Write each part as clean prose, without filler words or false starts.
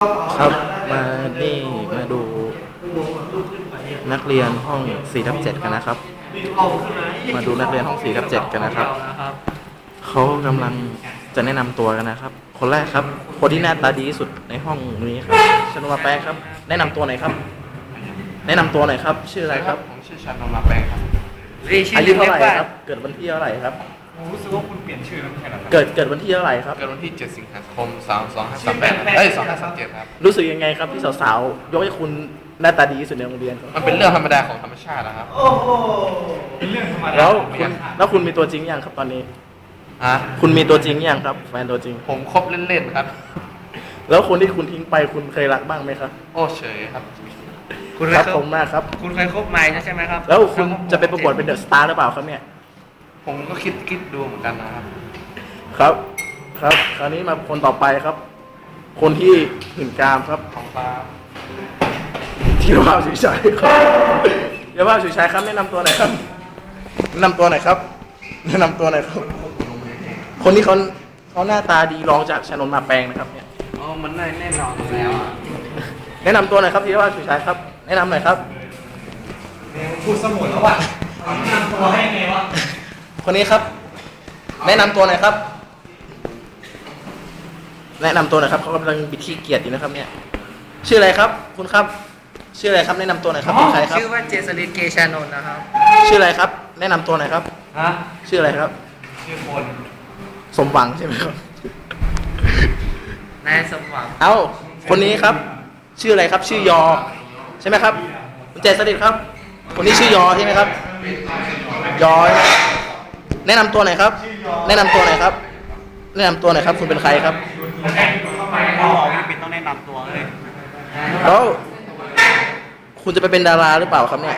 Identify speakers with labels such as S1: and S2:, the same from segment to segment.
S1: ครับมาดูนักเรียนห้อง4/7กันนะครับมาดูนักเรียนห้อง4/7กันนะครับเขากำลังจะแนะนำตัวกันนะครับคนแรกครับคนที่หน้าตาดีที่สุดในห้องนี้ครับชนมาแปงครับแนะนำตัวหน่อยครับแนะนำตัวหน่อยครับชื่ออะไรครับ
S2: ผมชื่อชันนมาแปงครับ
S1: อายุเท่าไหร่ครับเกิดวันที่เท่าไหร่ครับ
S2: ผมรู้สึกว่าคุณเปลี่ยนชื่อแล้วไม่ใช่หรอครับ
S1: เกิดวันที่เท่าไหร่ครับ
S2: เกิดวันที่7 สิงหาคม25382537ครับ
S1: รู้สึกยังไงครับที่สาวๆยกให้คุณหน้าตาดีที่สุดในโรงเรียน
S2: มันเป็นเรื่องธรรมดาของธรรมชาตินะครับ
S3: เป็นเรื่องธรรมดา
S1: แล้วคุณมีตัวจริงยังครับตอนนี้คุณมีตัวจริงยังครับแฟนตัวจริง
S2: ผมคบเล่นๆครับ
S1: แล้วคนที่คุณทิ้งไปคุณเคยรักบ้างไหมครับ
S2: โอ้เฉยครับ
S1: ครับผมมากครับ
S3: คุณเคยคบไมค์ใช่ไหมครับ
S1: แล้วคุณจะไปประกวดเป็นเดอะสตาร์หรือเปล่าครับเนี่ย
S2: ผมก็คิดดูเหมือนกันนะครับ
S1: ครับคราวนี้มาคนต่อไปครับคนที่หื่นกามครับ
S2: ของฟ้า
S1: ธีรภาพสุชัยครับธีรภาพสุชัยครับแนะนำตัวหน่อยครับแนะนำตัวหน่อยครับคนนี้เขาหน้าตาดีรองจากชนนท์มาแปงนะครับเนี่ย
S3: อ๋อมันแน่นอนแล้ว
S1: แนะนำตัวหน่อยครับธีรภาพสุชัยครับแนะนำหน่อยครับ
S3: พูดสมุนแล้วว่ะแนะนำตัวให้ไงวะ
S1: คนนี้ครับแนะนำตัวหน่อยครับแนะนำตัวหน่อยครับเขากำลังบิดขี้เกียจอยู่นะครับเนี่ยชื่ออะไรครับคุณครับชื่ออะไรครับแนะนำตัวหน่อยครับเป็นใครครับ
S3: ชื่อว่าเจสลินเกชานนท์นะครับ
S1: ชื่ออะไรครับแนะนำตัวหน่อยครับชื่ออะไรครับ
S3: ชื่อพล
S1: สมหวังใช่ไหมครับ
S3: นายสมหวัง
S1: คนนี้ครับชื่ออะไรครับชื่อยอใช่ไหมครับคุณเจสลินครับคนนี้ชื่อยอใช่ไหมครับยอแนะนำตัวหน่อยครับแนะนำตัวหน่อยครับคุณเป็นใครครับ
S3: เราพี่ปิดต้องแนะนำตัวเลย
S1: แล้วคุณจะไปเป็นดาราหรือเปล่าครับเนี่ย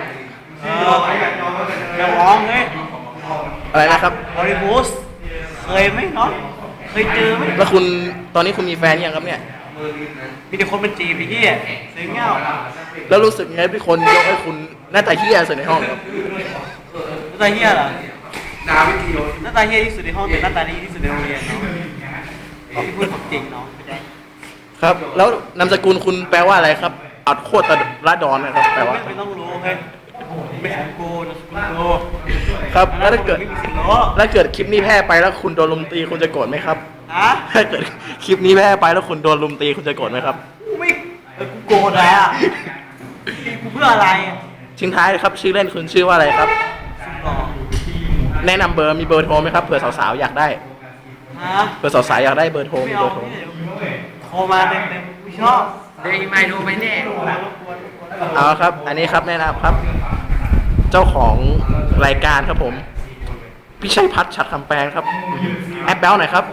S3: นักร้องเลย
S1: อะไรนะครับ
S3: ฮอลลีวูดเคยไหมเนาะเคยเจอไหม
S1: แล้วคุณตอนนี้คุณมีแฟนยังครับเนี่ย
S3: มีแต่คนเป็นจีพี่เสียงเงา
S1: แล้วรู้สึกไงที่คนยกให้คุณหน้าตาเหี้ยสุดในห้องครับ
S3: หน้าตาเหี้ยเหรอหน้าตาเหี้ยที่สุดในห้องแต่หน้าตาดีที่สุดในโรงเรียนเนาะที่พูดความจริงเนาะ
S1: ครับแล้วนามสกุลคุณแปลว่าอะไรครับอัดโคตรละดอนนะครับแปลว่า
S3: ไม่ต้องรู้เฮ้ยไม่ของกูนะคุณโก
S1: ครับแล้วถ้าเกิดคลิปนี้แพร่ไปแล้วคุณโดนลุมตีคุณจะโกรธไหมครับถ้าเกิดคลิปนี้แพร่ไปแล้วคุณโดนลุมตีคุณจะโกรธไหมครับ
S3: ไม่กูโกรธแล้วกูเพื่ออะไร
S1: ทิ้งท้ายเลยครับชื่อเล่นคุณชื่อว่าอะไรครับแนะนำมีเบอร์โทรไหมครับเผื่อสาวๆอยากได้เผื่อสาวๆอยากได้เบอร์โทรมีเบอร์โทร
S3: โทรมาเต็มๆไม่ชอบเดี๋ยวไม่โทรไม่แน่
S1: เอาครับอันนี้ครับแนะนำครับเจ้าของรายการครับผมพี่ชัยพัฒน์ฉัตรคำแปลงครับแอปเปิลหน่อยครับ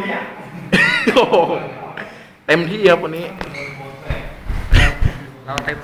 S1: เต็มที่ครับวันนี้
S3: เราเต็ม